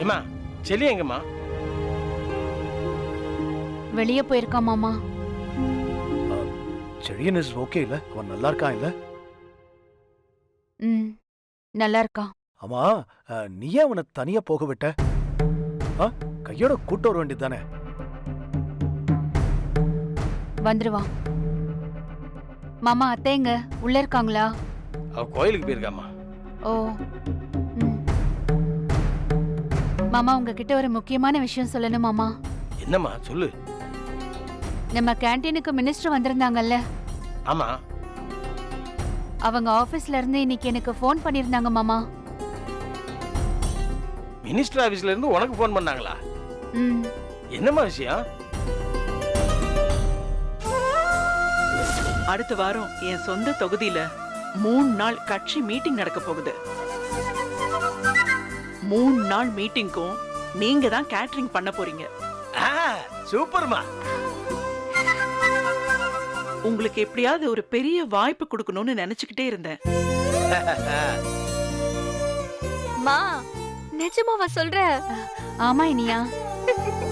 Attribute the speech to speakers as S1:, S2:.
S1: ஏமா செல்லி எங்கம்மா?
S2: வெளியே போயிருக்கா மாமா.
S3: செழியன் இஸ் ஓகே இல்ல? அவன் நல்லா இருக்கான் இல்ல?
S2: ம், நல்லா இருக்கா.
S3: ஆமா, நீ ஏன் அவனை தனியா போக விட்ட? கையோட கூட்டு வர வேண்டியதுதானே?
S2: வந்துருவா. மாமா அத்தைங்க உள்ள இருக்காங்களா?
S1: அவ கோயிலுக்கு போயிருக்காமா.
S2: ஓ. ம். மாமா உங்ககிட்ட ஒரு முக்கியமான விஷயம் சொல்லணும் மாமா.
S1: என்னம்மா சொல்லு.
S2: நம்ம கேண்டீனுக்கு மினிஸ்டர் வந்திருந்தாங்கல்ல,
S1: ஆமா.
S2: அவங்க ஆபீஸ்ல இருந்து இன்னைக்கு எனக்கு ஃபோன் பண்ணிருந்தாங்க மாமா.
S1: மினிஸ்டர் ஆபீஸ்ல இருந்து உனக்கு ஃபோன் பண்ணாங்களா?
S2: ம்.
S1: என்னம்மா விஷயம்?
S4: அடுத்த வாரம் என் சொந்த தொகுதியில 3 நாள் கட்சி மீட்டிங் நடக்க போகுது. 3 நாள் மீட்டிங்க்கும் நீங்க தான் கேட்டரிங் பண்ண போறீங்க.
S1: சூப்பர்மா.
S4: உங்களுக்கு எப்படியாவது ஒரு பெரிய வாய்ப்பு கொடுக்கணும்னு நினைச்சுக்கிட்டே இருந்தேன்.
S5: மா நிஜமாவா சொல்ற?
S2: ஆமா இனியா.